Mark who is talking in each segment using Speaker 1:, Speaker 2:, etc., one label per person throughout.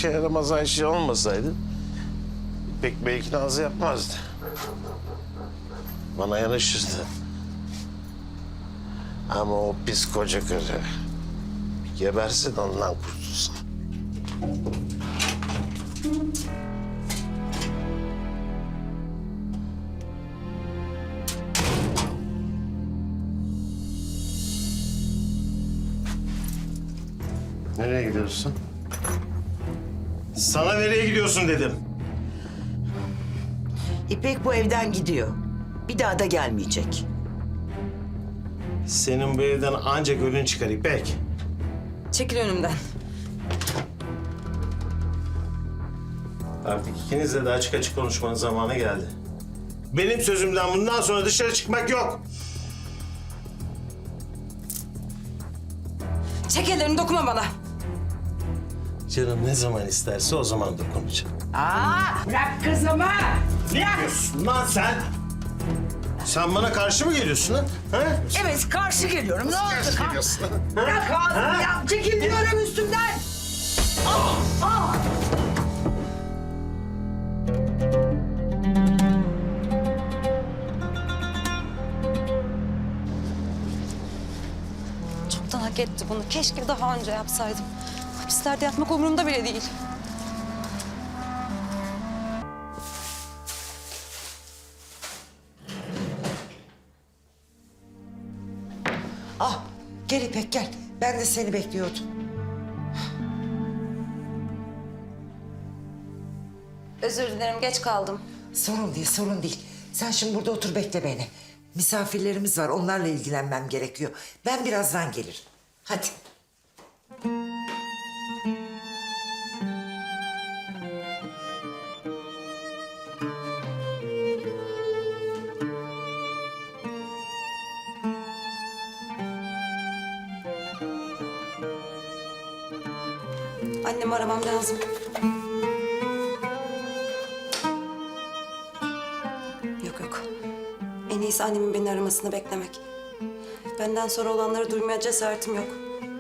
Speaker 1: işe yaramaz Ayşe olmasaydı İpek belki Nazlı yapmazdı. Bana yanaşırdı. Ama o pis koca karı bir gebersin ondan kurtulsun. Nereye gidiyorsun? Sana nereye gidiyorsun dedim.
Speaker 2: İpek bu evden gidiyor. Bir daha da gelmeyecek.
Speaker 1: Senin bu evden ancak ölün çıkar İpek.
Speaker 3: Çekil önümden.
Speaker 1: Artık ikinizle de açık açık konuşmanın zamanı geldi. Benim sözümden bundan sonra dışarı çıkmak yok.
Speaker 3: Çek ellerini, dokunma bana.
Speaker 1: Canım ne zaman isterse o zaman dokunacağım.
Speaker 2: Bırak kızımı!
Speaker 1: Ne yapıyorsun lan sen? Sen bana karşı mı geliyorsun ha?
Speaker 2: Evet, karşı geliyorum. Ne oldu?
Speaker 1: Geliyorsun.
Speaker 2: Bırak ağzını ya! Çekil diyorum üstümden!
Speaker 3: Çoktan hak etti bunu. Keşke daha önce yapsaydım. Hapislerde yatmak umurumda bile değil.
Speaker 2: Gel İpek gel. Ben de seni bekliyordum.
Speaker 3: Özür dilerim, geç kaldım.
Speaker 2: Sorun değil, sorun değil. Sen şimdi burada otur bekle beni. Misafirlerimiz var, onlarla ilgilenmem gerekiyor. Ben birazdan gelirim. Hadi.
Speaker 3: Annemi aramam lazım. Yok yok. En iyisi annemin beni aramasını beklemek. Benden sonra olanları duymaya cesaretim yok.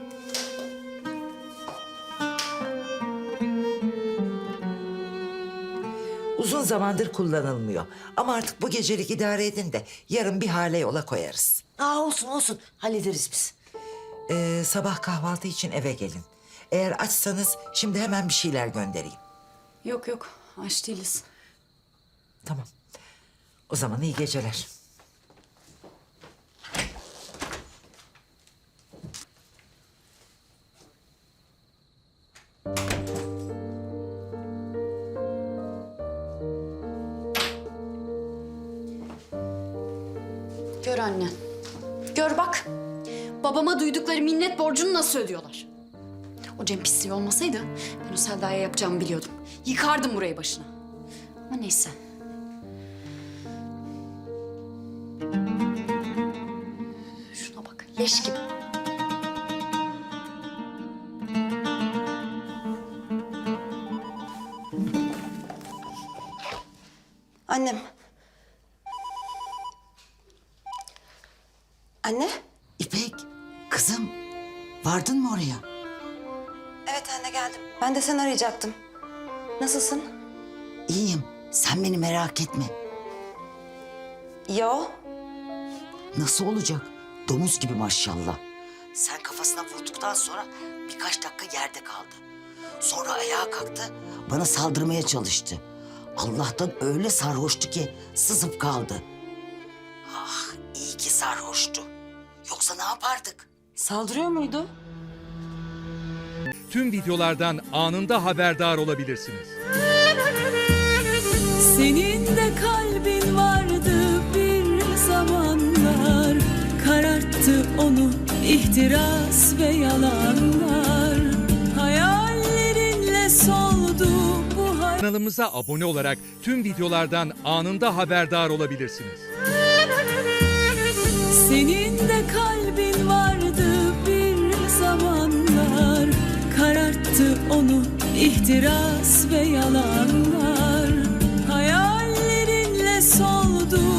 Speaker 2: Uzun zamandır kullanılmıyor. Ama artık bu gecelik idare edin de yarın bir hale yola koyarız.
Speaker 4: Olsun olsun. Hallederiz biz.
Speaker 2: Sabah kahvaltı için eve gelin. Eğer açsanız şimdi hemen bir şeyler göndereyim.
Speaker 3: Yok yok, aç değiliz.
Speaker 2: Tamam. O zaman iyi geceler.
Speaker 5: Gör anne. Gör bak. Babama duydukları minnet borcunu nasıl ödüyorlar? O Cem pisliği olmasaydı ben o Selda'ya yapacağımı biliyordum. Yıkardım burayı başına. Ama neyse. Şuna bak, leş gibi.
Speaker 3: Annem. Anne?
Speaker 4: İpek, kızım vardın mı oraya?
Speaker 3: Evet anne, geldim. Ben de seni arayacaktım. Nasılsın?
Speaker 4: İyiyim. Sen beni merak etme.
Speaker 3: Yo.
Speaker 4: Nasıl olacak? Domuz gibi maşallah. Sen kafasına vurduktan sonra birkaç dakika yerde kaldı. Sonra ayağa kalktı, bana saldırmaya çalıştı. Allah'tan öyle sarhoştu ki sızıp kaldı. Ah, iyi ki sarhoştu. Yoksa ne yapardık?
Speaker 3: Saldırıyor muydu?
Speaker 6: Tüm videolardan anında haberdar olabilirsiniz.
Speaker 7: Senin de kalbin vardı bir zamanlar, kararttı onu ihtiras ve yalanlar. Hayallerinle soldu bu
Speaker 6: Kanalımıza abone olarak tüm videolardan anında haberdar olabilirsiniz.
Speaker 7: Senin de kalbin vardı bir zamanlar, kararttı onu ihtiras ve yalanlar. Hayallerinle soldu